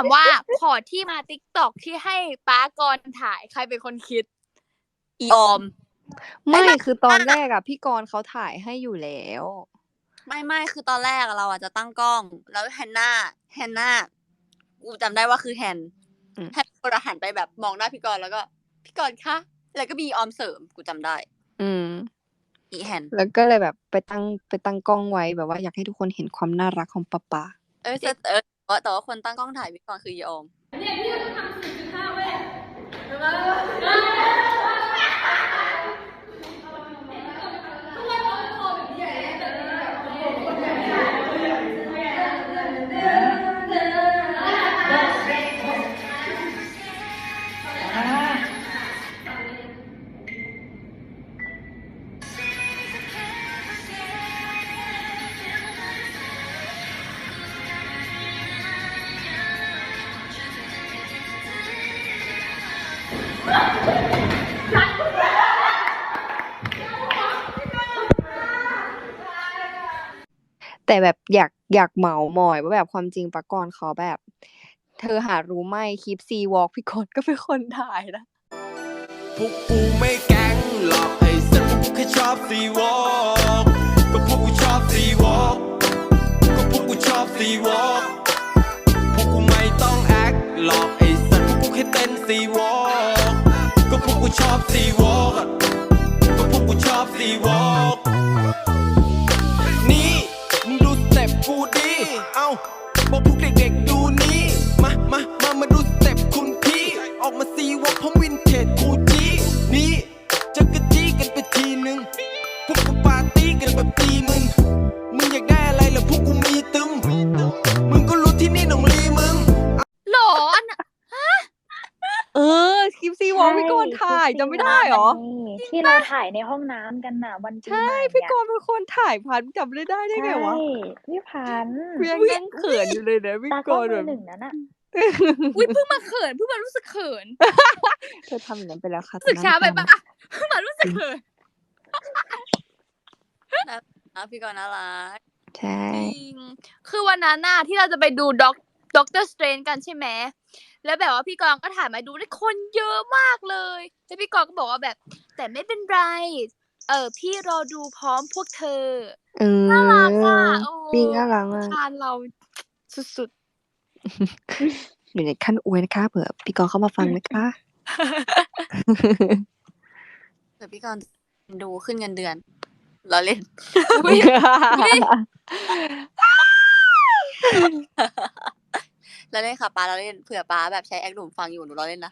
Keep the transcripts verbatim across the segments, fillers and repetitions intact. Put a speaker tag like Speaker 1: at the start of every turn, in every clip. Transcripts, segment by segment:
Speaker 1: ามว่าขอที่มา TikTok ที่ให้ป๊ากรถ่ายใครเป็นคนคิด อีออม
Speaker 2: ไม่คือตอนแรกอะพี่กรณ์เขาถ่ายให้อยู่แล้ว
Speaker 3: ไม่ไม่คือตอนแรกเราอะจะตั้งกล้อง แล้วแฮนนาแฮนนากูจำได้ว่าคือแฮนแฮนก็หันไปแบบมองหน้าพี่กรณ์แล้วก็พี่กรณ์คะแล้วก็มีออมเสริมกูจำได้
Speaker 2: อืม
Speaker 3: อีแฮน
Speaker 2: แล้วก็เลยแบบไปตั้งไปตั้งกล้องไว้แบบว่าอยากให้ทุกคนเห็นความน่ารักของป๊าป๊า
Speaker 3: เออแต่เออแต่ว่าคนตั้งกล้องถ่ายพี่กรณ์คืออีออมเนี่ยพี่ทำ สี่จุดห้า เว้ย
Speaker 2: แต่แบบอยากอยากเหมามอยว่าแบบความจริงป๊ากรณ์เขาแบบ เธอหารู้ไหมคลิปซีวอล์กพี่กรณ์ก็เป็นคนถ่ายนะ
Speaker 4: พวกกูไม่แก๊งหรอกไอ้สัตว์พวกกูแค่ชอบซีวอล์กก็พวกกูชอบซีวอล์กก็พวกกูชอบซีวอล์กพวกกูไม่ต้องแอคหรอกไอ้สัตว์พวกกูแค่เต้นซีวอล์กก็พวกกูชอบซีวอล์กก็พวกกูชอบซีวอล์กนี่มึงดูสเต็ปกูดิเอ้าบอกพวกเด็กๆดูนี่มามามามาดูสเต็ปคุณพี่ออกมาซีวอล์กพร้อมวินเทจกูจีนี่จะกระจี้กันไปทีนึงพวกกูปาร์ตี้กันแบบตีมึงมึงอยากได้อะไรล่ะพวกกูมีตึมมึงก็รู้ที่นี่หนองลีมึง
Speaker 1: หรออัน
Speaker 2: เออคลิปซีวอล์กพี่กรณ์ถ่ายจำไม่ได้หรอ
Speaker 5: ที่เราถ่ายในห้องน้ำกันน่ะวันปีใหม่
Speaker 2: ใช่พี่กรณ์เป็นคนถ่ายพันจำไม่ได้ได้ไงวะ
Speaker 5: ใช่พี่พันธุ์
Speaker 2: กูยังนั่งเขินอยู่เลยนะพี่
Speaker 5: ตาก กล้อง
Speaker 2: รณ์
Speaker 5: มื
Speaker 2: แบ
Speaker 5: อบ หนึ่งนั้นน่ะ
Speaker 1: อุ้ยเพิ่งมาเขินเพิ่งมารู้สึกเขิน
Speaker 2: เธอทำอย่างนั้นไปแล้วค่ะ
Speaker 1: รู้สึกช้าไปปะเพิ่งมารู้สึกเขิน
Speaker 3: นะพี่กรณ์น่ารัก
Speaker 2: ใช่
Speaker 1: จริงคือวันนั้นน่ะที่เราจะไปดูด็อกด็อกเตอร์สเตรนกันใช่ไหมแล้วแบบว่าพี่กรณ์ก็ถ่ายมาดูได้คนเยอะมากเลยแล้วพี่กรณ์ก็บอกว่าแบบ แต่ไม่เป็นไร เออพี่รอดูพร้อมพวกเธอ
Speaker 2: เออ
Speaker 1: น่ารักอ่ะโอ้
Speaker 2: จริงน่ารักมาก
Speaker 1: ทานเราสุด
Speaker 2: อยู่ในขั้นอวยนะคะเผื่อพี่กรณ์เข้ามาฟังนะคะ
Speaker 3: เดี๋ยวพี่กรณ์ดูขึ้นเงินเดือนเราเล่น แล้วเล่นค่ะป้าเราเล่นเผื่อป้าแบบใช้แอคหนุ่มฟังอยู่หนูเราเล่นนะ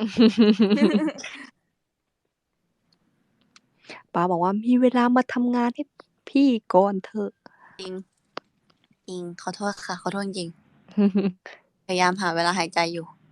Speaker 2: ป้าบอกว่ามีเวลามาทำงานให้พี่ก่อนเถอะ
Speaker 3: จริงจริงขอโทษค่ะขอโทษจริง พยายามหาเวลาหายใจอยู่